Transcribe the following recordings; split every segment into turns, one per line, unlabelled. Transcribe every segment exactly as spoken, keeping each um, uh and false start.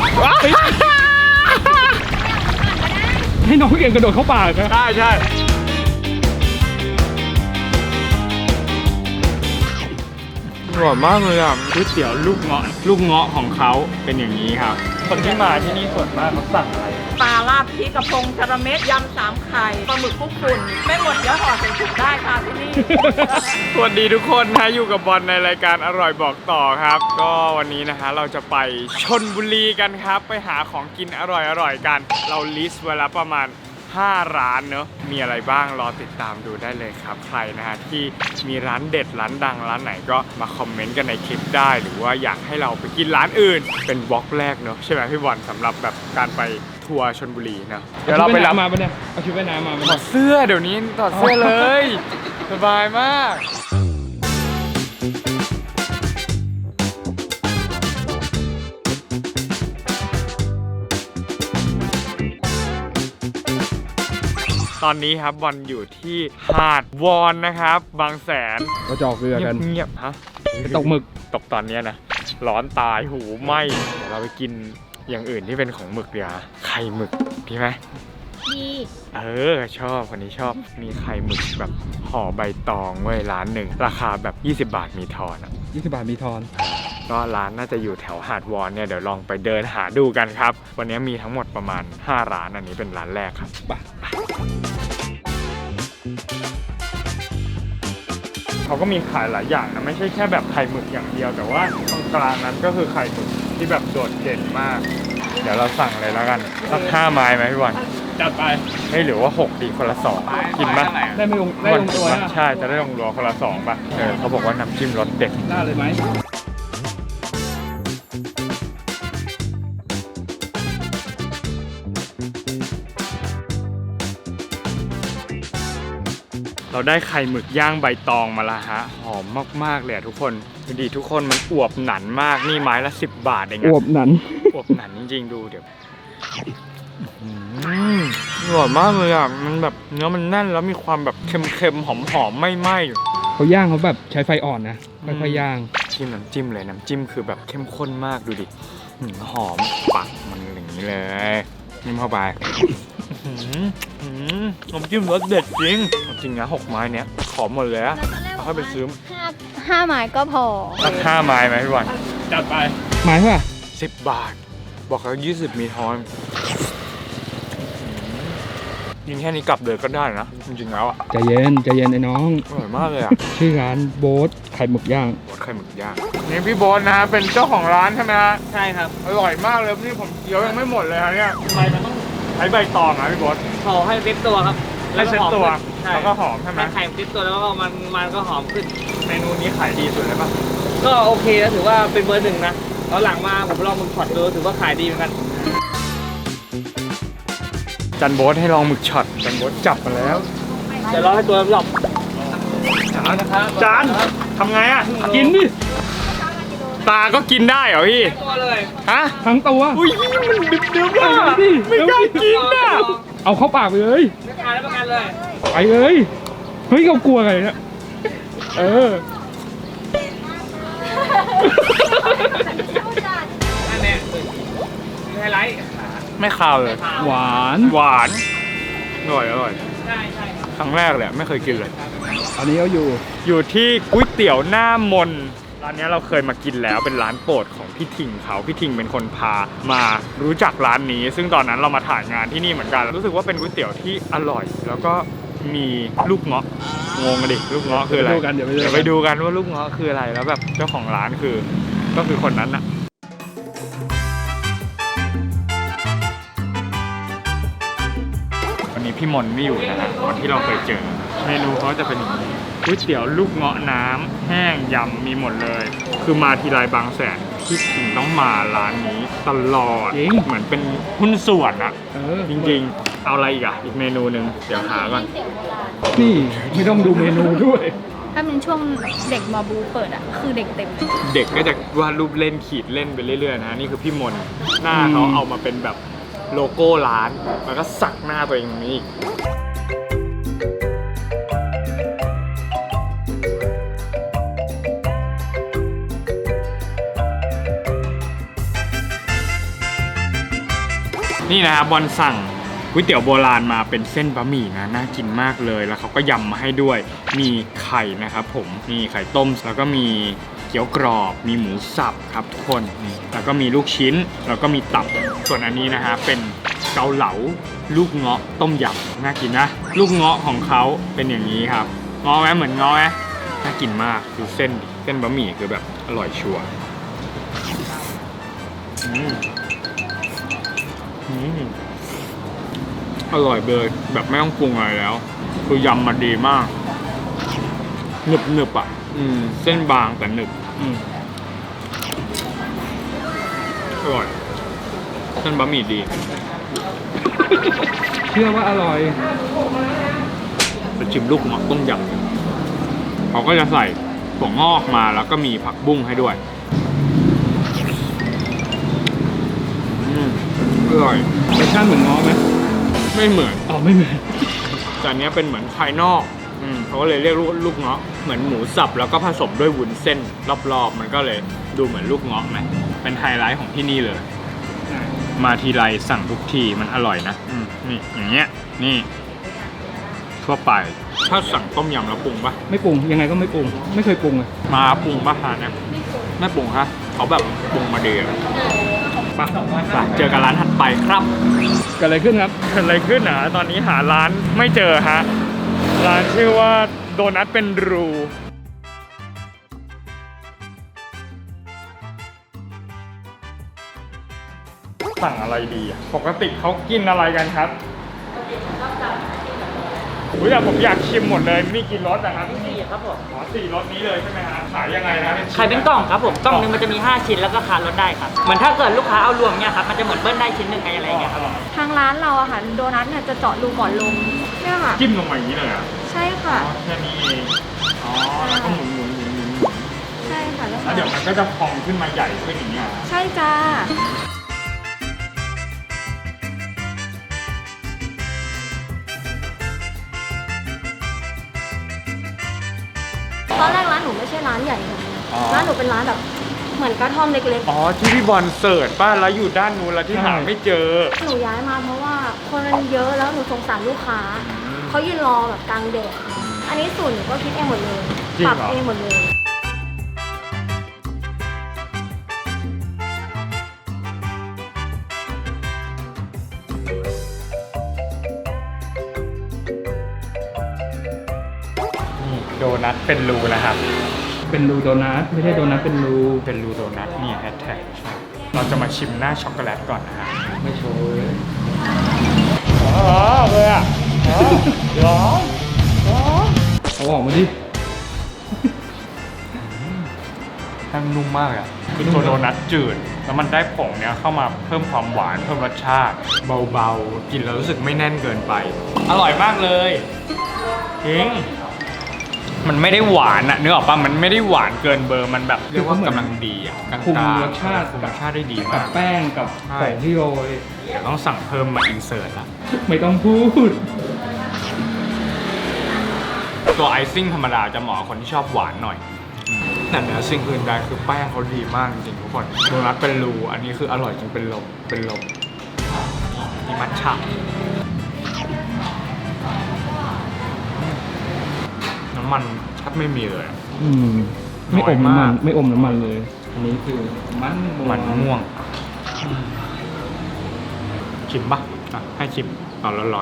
ให้น้องเก่งกระโดดเข้าปากนะ
ใช่ใช่อร่อยมากเลยอ่ะก๋วยเตี๋ยวลูกเงาะลูกเงาะของเขาเป็นอย่างนี้ครับคนที่มาที่นี่ส่วนมากเขาสั่งอะไร
ปลาลาบพริกกระพงชะระเม็ดยำสามไข่ปลาหมึกคลุกฝุ่นไม่หมดเดี๋ยวห่อใส่ถุงได้ค่ะที่นี่
สวัสดีทุกคนนะอยู่กับบอลในรายการอร่อยบอกต่อครับ ก็วันนี้นะฮะเราจะไปชลบุรีกันครับไปหาของกินอร่อยๆกัน เราลิสต์ไว้แล้วประมาณห้าร้านเนอะมีอะไรบ้างรอติดตามดูได้เลยครับใครนะฮะที่มีร้านเด็ดร้านดังร้านไหนก็มาคอมเมนต์กันในคลิปได้หรือว่าอยากให้เราไปกินร้านอื่นเป็นบล็อกแรกเนอะใช่ไหมพี่บอลสำหรับแบบการไปทัวร์ชลบุรีเนอะเดี๋ยวเราไปรับ
มาปะเนี่ยเอาชุดว่ายน้ำมาปะ
ถ
เนี่
อย ดเสื้อเดี๋ยวนี้ถอดเสื้อเลยสบายมากตอนนี้ครับบอลอยู่ที่หาดวอนนะครับบางแสน
เราจะออกเรือกัน
เงียบๆฮะ
ตกหมึก
ตกตอนนี้นะร้อนตายหูไหมเดี๋ยวเราไปกินอย่างอื่นที่เป็นของหมึกเดี๋ยวไข่หมึกดีไหม
ดี
เออชอบคนนี้ชอบมีไข่หมึกแบบห่อใบตองเว้ยร้านหนึ่งราคาแบบยี่สิบบาทมีทอนอ่ะ
ยี่สิบบาทมีทอน
ก็ร้านน่าจะอยู่แถวหาดวอนเนี่ยเดี๋ยวลองไปเดินหาดูกันครับวันนี้มีทั้งหมดประมาณห้าร้านอันนี้เป็นร้านแรกครับไปเขาก็มีขายหลายอย่างนะไม่ใช่แค่แบบไข่หมึกอย่างเดียวแต่ว่าตรงกลางนั้นก็คือไข่หมึกที่แบบโดดเด่นมาก เดี๋ยวเราสั่งเลยแล้วกันสักห้าไม้ไหมพี่บอล
จัดไป
ไม่หรือว่าหกดีคนละสองกินปะ
ได้ไม่ลงได้ลงตัวนะ
ใช่จะได้ลงตัวคนละสองป่ะเออเขาบอกว่าน้ำจิ้มรสเด็ด
ได้เลยไหม
เราได้ไข่หมึกย่างใบตองมาละฮะหอมมากๆเลยทุกคนดูดีทุกคนมันอวบหนันมากนี่ไม้ละสิบบาทเอง
อวบหนัน
อวบหนันจริงๆดูเดี๋ยวอืมอร่อยมากเลยอ่ะมันแบบเนื้อมันแน่นแล้วมีความแบบเค็มๆหอมๆไม่ไหม้
เขาย่างเขาแบบใช้ไฟอ่อนนะค่อยๆย่าง
จิ้มน้ำจิ้มเลยน้ำจิ้มคือแบบเข้มข้นมากดูดิหืมหอมปักมันอย่างนี้เลยนิ่มเข้าไปหืมหืมน้ำจิ้มรสเด็ดจริงจริงนะหกไม้เนี้ยขอหมดเลยอะ
แล้วตอนแรก
ค่อยไปซื้อ
ห้าห้าไม้ก็พอ
สักห้าไม้ไหมพี่บอล
จัดไปหมายว่า
สิบบาท บอกแล้วยี่สิบมีทอนกินแค่นี้กลับเลยก็ได้นะจริงๆแล้วอะ
ใจเย็นใจเย็นไอ้น้อง
อร่อยมากเลยอะ
ชื่อร้านโบ๊ทไข่หมึกย่าง
โบ๊ทไข่หมึกย่างนี่พี่โบ๊ทนะฮะเป็นเจ้าของร้านใช่ไหมฮะ
ใช่ครับ
อร่อยมากเลยนี่ผมเคี้ยวยังไม่หมดเลยครับเนี่ย
ใบมันต้อง
ใช้ใบตองนะพี่โบ๊ท
ห่อให้เซ็ตตัวครับ
ให้เซ็ตตัว
ใช่
แล้วก็หอมใช่ไหม
ให้ไข่เซ็ตตัวแล้วก็มันมันก็หอมขึ้น
เมนูนี้ขายดีสุดเลยป่ะ
ก็โอเคแล้วถือว่าเป็นเบอร์หนึ่งนะแล้วหลังมาผมลองมึงช็อตดูถือว่าขายดีเหมือนกัน
จันโบ๊ทให้ลองหมึกช็อตจันโบ๊ทจับมาแล้ว
เดี๋ยวรอให้ตัวหลบจานนะครับ
จานทำไงอ่ะ
กินดิ
ปลาก็กินได้เหรอพี่
ตัวเลย
ฮะ
ทั้งตัว
อุ้ยมันดึบดึบอ่ะ
เอาดิ
ไม่กล้ากินอ่ะ
เอาเข้าปากไปเลย
ไม่ขายแล้วประกันเลย
ไปเลยเฮ้ยเขากลัวอะไรเนี่ยเออ
อันเนี้ยไฮไลท์
ไม่คาวเลย
หวาน
หวานอร่อยอร่อย
ใช่ใช่ครับ
ครั้งแรกเลยไม่เคยกินเลย
อันนี้เขาอยู่
อยู่ที่ก๋วยเตี๋ยวหน้ามนร้านนี้เราเคยมากินแล้วเป็นร้านโปรดของพี่ทิงเขาพี่ทิงเป็นคนพามารู้จักร้านนี้ ซึ่งตอนนั้นเรามาถ่ายงานที่นี่เหมือนกันรู้สึกว่าเป็นก๋วยเตี๋ยวที่อร่อย แล้วก็มีลูกเงาะงงกันดิลูกเงาะคืออะไร
เดี๋ยวไปดูกันเดี๋ยวไปดูกัน
เดี๋ยวไปดูกันว่าลูกเงาะคืออะไรแล้วแบบเจ้าของร้านคือก็คือคนนั้นอะวันนี้พี่มนไม่อยู่นะฮะวันที่เราเคยเจอเมนูเขาจะเป็นอย่างนี้ก๋วยเตี๋ยวลูกเงาะน้ำแห้งยำมีหมดเลย คือมาทีไรบางแสนที่ถึงต้องมาร้านนี้ตลอด
จริง
เหมือนเป็นหุ้นส่วนอะ
เออ
จริงๆ เอาอะไรอีกอะอีกเมนูหนึ่งเดี๋ยวหาก่อน
เสียงโบราณ
นี่ไม่ต้องดูเมนูด้วย
ถ้าเป็นช่วงเด็กมอบูเปิดอ่ะ คือเด็กเต็มเลย
เด็กก็จะวาดรูปเล่นขีดเล่นไปเรื่อยๆนะนี่คือพี่มนหน้าเขาเอามาเป็นแบบโลโก้ร้านแล้วก็สักหน้าตัวเองตรงนี้อีก
เ
นี่นะครับบอลสั่งก๋วยเตี๋ยวโบราณมาเป็นเส้นบะหมี่นะน่ากินมากเลยแล้วเขาก็ยำมาให้ด้วยมีไข่นะครับผมมีไข่ต้มแล้วก็มีเกี๊ยวกรอบมีหมูสับครับทุกคนนี่แล้วก็มีลูกชิ้นแล้วก็มีตับส่วนอันนี้นะฮะเป็นเกาเหลาลูกเงาะต้มยำน่ากินนะลูกเงาะของเขาเป็นอย่างนี้ครับเงาะไหมเหมือนเงาะไหมน่ากินมากดูเส้นดิเส้นบะหมี่คือแบบอร่อยชัวร์อืมอืมอร่อยเลยแบบไม่ต้องปรุงอะไรแล้วคือยำมาดีมากหนึบหนึบอ่ะอืมเส้นบางแต่หนึบอืมอร่อยเส้นบะหมี่ดี
เชื่อว่าอร่อย
ไปชิมลูกหมอกต้มยำเขาก็จะใส่ถั่วงอกมาแล้วก็มีผักบุ้งให้ด้วยอืมอร่อย
รสชาติเหมือนง้อไหม
ไม่เหมือน
อ๋อไม่เหมือน
แต่อันเนี้ยเป็นเหมือนภายนอกอืมเขาก็เลยเรียกลูกลูกเงาะเหมือนหมูสับแล้วก็ผสมด้วยวุ้นเส้นรอบๆมันก็เลยดูเหมือนลูกเงาะไหมเป็นไฮไลท์ของที่นี่เลย มาทีไรสั่งทุกทีมันอร่อยนะอืมนี่อย่างเงี้ยนี่ทั่วไปถ้าสั่งต้มยำแล้วปรุงปะ
ไม่ปรุงยังไงก็ไม่ปรุงไม่เคยปรุงเลย
มาปรุงปะฮะเนี่ยไม่ปรุงฮะเขาแบบปรุงมาดีอะไปไปเจอกันร้านถัดไปครับ
เกิดอะไรขึ้นครับ
เกิดอะไรขึ้นอ่ะตอนนี้หาร้านไม่เจอฮะร้านชื่อว่าโดนัทเป็นรูสั่งอะไรดีอ่ะปกติเขากินอะไรกันครับอุ้ยแต่ผมอยากชิมหมดเลยมีกี่รสนะครับ
สี่ครับผม
อ๋อสี่รสนี้เลยใช่ไหมฮะขายยังไงนะ
ขายเป็นกล่องครับผมกล่องหนึงมันจะมีห้าชิ้นแล้วก็คาลดได้ครับเหมือนถ้าเกิดลูกค้าเอารวมเนี่ยครับมันจะเหมือนเบิ้ลได้ชิ้นหนึ่งอะไรอย่างเงี้ยครับ
ทางร้านเราอะค่ะโดนัทเนี่ยจะเจาะรูก่อนลงเนี่ยค่ะ
จิ้มลงมาอย่างนี้เลยอ่ะ
ใช่ค่ะ
อ๋อแค่นี้เองอ๋อแล้วก็หมุนหมุนหมุนหมุนหมุน
ใช่ค่ะแล้ว
แล้วเดี๋ยวมันก็จะพองขึ้นมาใหญ่ขึ้นอย่างเงี้ย
ใช่จ้าตอนแรกร้านหนูไม่ใช่ร้านใหญ่แบบนี้ร้านหนูเป็นร้านแบบเหมือนกระท่อมเล็ก
อ๋อที่พี่บอลเสิร์ชป้าแล้วอยู่ด้านนู้นแล้วที่หาไม่เจอ
ๆ หนูย้ายมาเพราะว่าคนมันเยอะแล้วหนูสงสารลูกค้า เขายืนรอแบบกลางแดด อันนี้สูตรหนูก็คิดเองหมดเลย
จริง
ปรับ
เหรอ
เองหมดเลย
นี่โดนัทเป็นรูนะครับ
เป็นรูโดนัทไม่ใช่โดนัทเป็นรู
เป็นรูโดนัทนี่แฮชแท็กเราจะมาชิมหน้าช็อกโกแลตก่อนนะฮะ
ไม่โชว์เลย
อ๋อเลยอ่ะอ๋อร้อนร้อน
เอาออกมาดิ
แป้งนุ่มมากอ่ะคือตัวโดนัทจืดแล้วมันได้ผงเนี้ยเข้ามาเพิ่มความหวานเพิ่มรสชาติเบาๆกินแล้วรู้สึกไม่แน่นเกินไป อร่อยมากเลยจริงมันไม่ได้หวานอะนึกออกป่ะมันไม่ได้หวานเกินเบอร์มันแบบเรียกว่ากำลังดีอะกลางๆ
คุมรสชาติ
คุมรสชาติได้ดี
กั
มา
บ
ก
แป้งกับ
ใช่
ผงที่โรย
เดี๋ยวต้องสั่งเพิ่มมาอินเสิร์ตละ
ไม่ต้องพูด
ตัวไอซิ่งธรรมดาจะเหมาะกับคนที่ชอบหวานหน่อยอืมแต่เหนือสิ่งอื่นใดคือแป้งเขาดีมากจริงๆทุกคนโดนัทเป็นรูอันนี้คืออร่อยจริงเป็นลมเป็นลมมีมัทฉะน้ำมันแทบไม่มีเลยอะ
อืมไม่อม
น้อย
น้ำ
มา
มั
ก
นไม่อมน้ำมันเลย อันนี้คือมันม่วง
มันม่วงชิมปะอ่ะให้ชิมตอนร้อน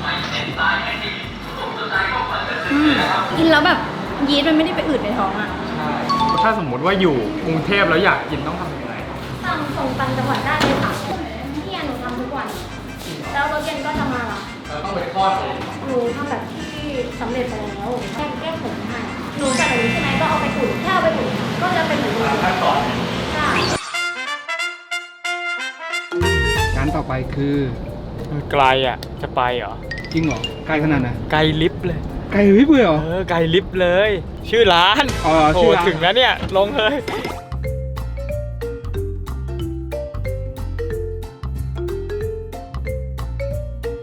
อืมกินแล้วแบบยีสต์มันไม่ได้ไปอืดในท้องอะ
ๆถ้าสมมุติว่าอยู่กรุงเทพแล้วอยากกินต้องทำยังไง
สั่งส่งต่างจังหวัดได้เลยค่ะที่หนูทำทุกวัน แล้วรถเย็นก็จะมารับ
ต้องไปทอดเอง
หนูทำแบบที่สำเร็จไปแล้วแค่แก้ผมให้หนูจัดแบบนี้ใช่ไหมก็เอาไปอุ่นแค่เอาไปอุ่นก็จะเป็นเหมือนเดิม
ขั้นตอน
ใช่
ร้านต่อไปคือ
ไกลอ่ะจะไปเหรอ
จริงเหรอไกลขนาดไหน
ไกลลิฟต์เลย
ไกลวิบเลยเหรอ
เออไกลลิฟต์เลย ชื่อร้าน
อ๋อ
โท
ชื่
ร
อร้าน
ถึงแล้วเนี่ยลงเลย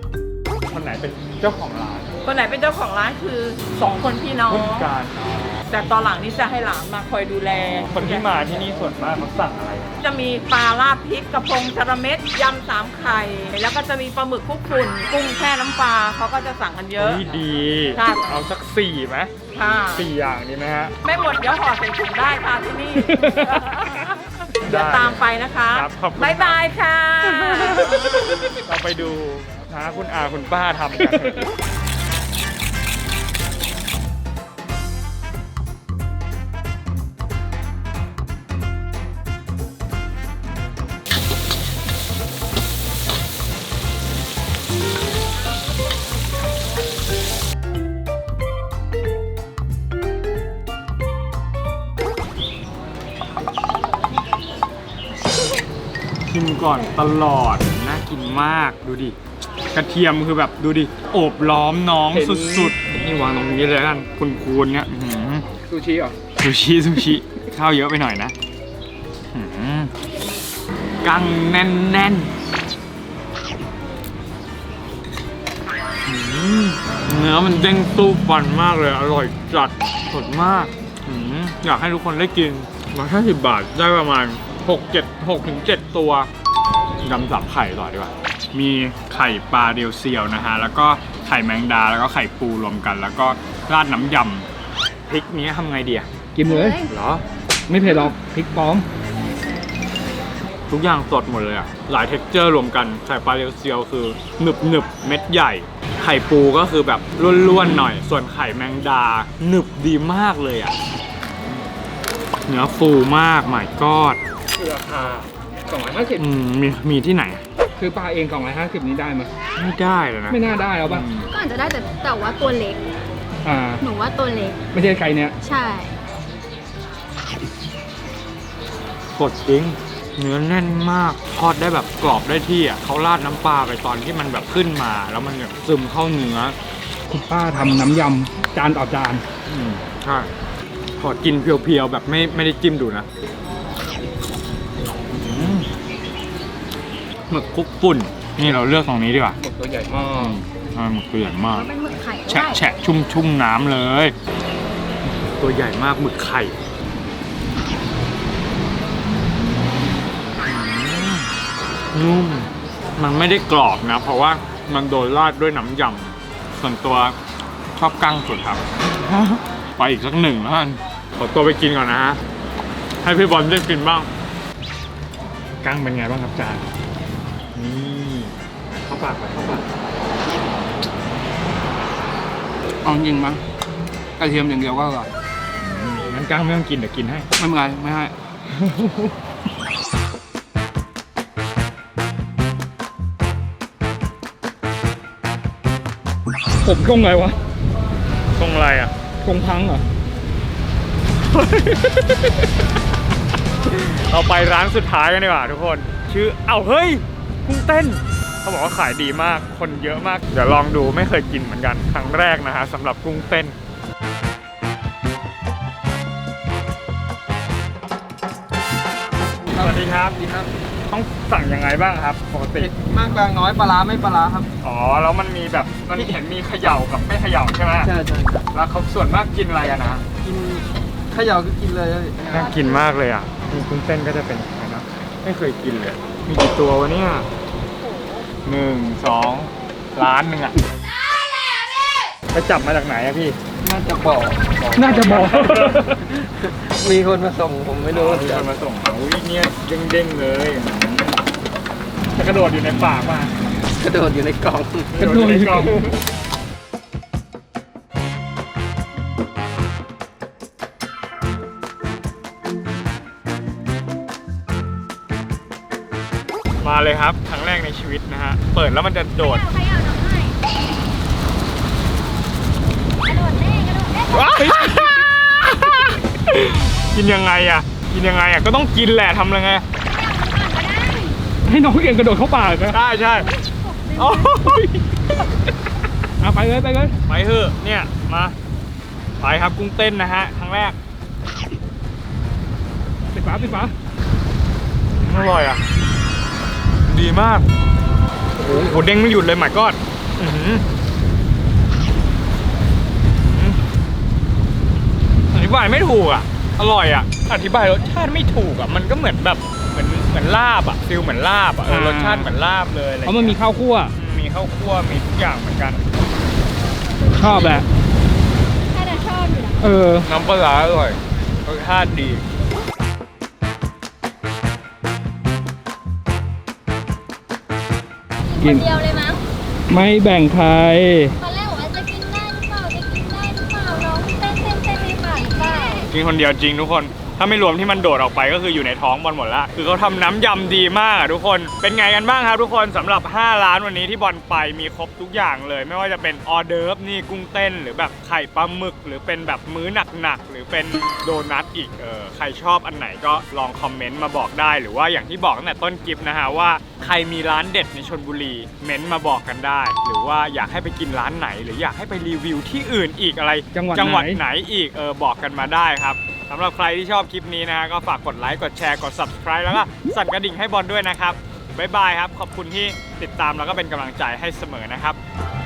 คนไหนเป็นเจ้าของร้าน
คนไหนเป็นเจ้าของร้านคือสองคนพี่น้อง
ผู้จัดการอ๋อ
แต่ตอนหลังนี่จะให้หลานมาคอยดูแล
คนที่มาที่นี่ส่วนมากเขาสั่งอะไร
จะมีปลาลาดพริกกระพงชะระเม็ดยำสามไข่ แล้วก็จะมีปลาหมึกคลุกฝุ่นกุ้งแช่น้ำปลาเขาก็จะสั่งกันเยอะ
นี่ดี
ใช่
เอาสักสี่ไหม
ค่ะ
สี่อย่างดีไหมฮะ
ไม่หมดเดี๋ยวห่อใส่ถุงได้ค่ะที่นี่ เดี๋ยวตามไปนะคะ
ครับขอบคุณ
บ๊ายบายค่ะ
เราไปดูนะคุณอาคุณป้าทำกันชิมก่อนตลอดน่ากินมากดูดิกระเทียมคือแบบดูดิโอบล้อมน้องสุดๆนี่วางตรงนี้เลยกันคุณคูณเนี่ยซูชิเหรอซูชิซูชิข้าวเยอะไปหน่อยนะกังแน่นแน่นเนื้อมันเด้งตู้ฟันมากเลยอร่อยจัดสดมากอยากให้ทุกคนได้กินมาแค่สิบบาทได้ประมาณหกเจ็ดหกถึงเจ็ดตัวยำสับไข่ต่อดีกว่ามีไข่ปลาเรียวเซียวนะฮะแล้วก็ไข่แมงดาแล้วก็ไข่ปูรวมกัน แล้วก็ราดน้ำยำพริกนี้ทำไงดีอะ
กินเลย
เหรอ
ไม่เผ็ดหรอกพริกปลอม
ทุกอย่างสดหมดเลยอะหลายเท็กเจอร์รวมกันไข่ปลาเรียวเซียวคือหนึบหนึบเม็ดใหญ่ ไข่ปูก็คือแบบร่วนๆหน่อยส่วนไข่แมงดาหนึบดีมากเลยอะเนื้อฟูมากหมายกอด
คือราคาสองร้อยห้าสิบ
อืมมีมีที่ไหน
คือปลาเองสองร้อยห้าสิบนี้ได้ไหม
ไม่ได้เลยนะ
ไม่น่าได้เอาป่ะ
อืม
ก็อาจจะได้แต่แต่ว่าตัวเล็ก
อ่า
หนูว่าตัวเล็ก
ไม่ใช่ใครเนี่ย
ใช่
สดจริงเนื้อแน่นมากทอดได้แบบกรอบได้ที่อ่ะเขาราดน้ำปลาไปตอนที่มันแบบขึ้นมา แล้วมันแบบซึมเข้าเนื้อ
คุณป้าทำน้ำยำจานต่อจาน
อืมใช่ขอกินเพียวๆแบบไม่ไม่ได้จิ้มดูนะอืมหมึกคลุกฝุ่นนี่เราเลือกตรงนี้ดีกว่า
หมึกตัวใหญ่มาก
อ่าหมึกตัวใหญ่มาก
เป็นหมึกไข่ก็
แฉะ
ได้
แฉะชุ่มชุ่มน้ำเลย ตัวใหญ่มากหมึกไข่นุ่มมันไม่ได้กรอบนะ เพราะว่ามันโดนราดด้วยน้ำยำส่วนตัวชอบกั้งสุดครับ ไปอีกสักหนึ่งแล้วกันขอตัวไปกินก่อนนะฮะ ให้พี่บอลได้กินบ้าง กั้งเป็นไงบ้างครับจานนี่เข้าปากไปเข้าปาก
เอาจริงมั้ยกระเทียมอย่างเดียวก็อร่อย
งั้นกั้งไม่ต้องกินเดี๋ยวกินให้
ไม่เป็นไรไม่ให้ ผมกงไงวะ
ตรงอะไรอ่ะ
กงพังเหรอ
เราไปร้านสุดท้ายกันดีกว่าทุกคน ชื่อเอ้าเฮ้ยกุ้งเต้นเขาบอกว่าขายดีมากคนเยอะมากเดี๋ยวลองดูไม่เคยกินเหมือนกันครั้งแรกนะฮะสำหรับกุ้งเต้นสวัสดีครับดีครับต้องสั่งยังไงบ้างครับปกติ
มากกลางน้อยปลาร้าไม่ปลาร้าครับ
อ๋อแล้วมันมีแบบมันเห็นมีเขย่ากับไม่เขย่าใช่ไหม
ใช่ใช่
แล้วเขาส่วนมากกินอะไรอะนะ
กินขย่าก็กินเลย
น่ากินมากเลยอ่ะมีกุ้งเต้นก็จะเป็นอย่างนี้นะไม่เคยกินเลย มีกี่ตัววะเนี่ยหนึ่งสองล้านหนึ่งอ่ะไปจับมาจากไหนอะพี่
น่าจะบอก
น่าจะบอก
มีคนมาส่งผมไม่รู้
มีคนมาส่งมาอุ้ยเนี่ยเด้งๆเลยจะกระโดดอยู่ในปากป่ะ
กระโดดอยู่ในกล่อง
กระโดดอยู่ในกล่องมาเลยครับครั้งแรกในชีวิตนะฮะเปิดแล้วมันจะโดด
ใครเอาน้ำให้กระโดดเล่กระโดดเล่
ว้ายกินยังไงอ่ะ กินยังไงอ่ะก็ต้องกินแหละทำยังไง
ให้น้องเก่งกระโดดเข้าปากนะ
ใช่ใช่โอ้ย
เอาไปเลยไปเลย
ไปเถอะเนี่ยมาไปครับกุ้งเต้นนะฮะครั้งแรก
ปิดฝาปิดฝา
อร่อยอ่ะดีมากโอ้โหเด้งไม่หยุดเลยหมายก็ธิบายไม่ถูกอ่ะอร่อยอ่ะอธิบายรสชาติไม่ถูกอ่ะมันก็เหมือนแบบเหมือนเหมือนลาบอ่ะฟิลเหมือนลาบอ่ะเออรสชาติเหมือนลาบเลยอะไร
เพราะมันมีข้าวคั่ว
มีข้าวคั่วมีทุกอย่างเหมือนกัน
ชอบแหละ
ถ้าจะชอบอยู่นะ
เออ
น้ำปลาร้าอร่อยรสชาติดี
กิน
เดียวเลยมั้ง
ไม่แบ่งใคร
ตอนแรกบอกว่าจะกินได้หรือเปล่าจะกินได้หรือเปล่าน้องเต้นเต้นเต้นในปากหรือเปล่า
กินคนเดียวจริงทุกคน ถ้าไม่รวมที่มันโดดออกไปก็คืออยู่ในท้องบอลหมดละคือเขาทำน้ำยำดีมากอะทุกคน เป็นไงกันบ้างครับทุกคนสำหรับห้าร้านวันนี้ที่บอลไปมีครบทุกอย่างเลย ไม่ว่าจะเป็นออเดิร์ฟนี่กุ้งเต้นหรือแบบไข่ปลาหมึก หรือเป็นแบบมื้อหนักๆหรือเป็นโดนัทอีกเออใครชอบอันไหนก็ลองคอมเมนต์มาบอกได้ หรือว่าอย่างที่บอกตั้งแต่ต้นคลิปนะฮะว่าใครมีร้านเด็ดในชลบุรีเม้นต์มาบอกกันได้ หรือว่าอยากให้ไปกินร้านไหน หรืออยากให้ไปรีวิวที่อื่นอีกอะไร
จังหวัด
จังหวัด
ไหน
ไหนอีกเออบอกกันมาได้ครับสำหรับใครที่ชอบคลิปนี้นะฮะก็ฝากกดไลค์กดแชร์กด ซับสไครบ์ แล้วก็สั่นกระดิ่งให้บอลด้วยนะครับบ๊ายบายครับขอบคุณที่ติดตามแล้วก็เป็นกำลังใจให้เสมอนะครับ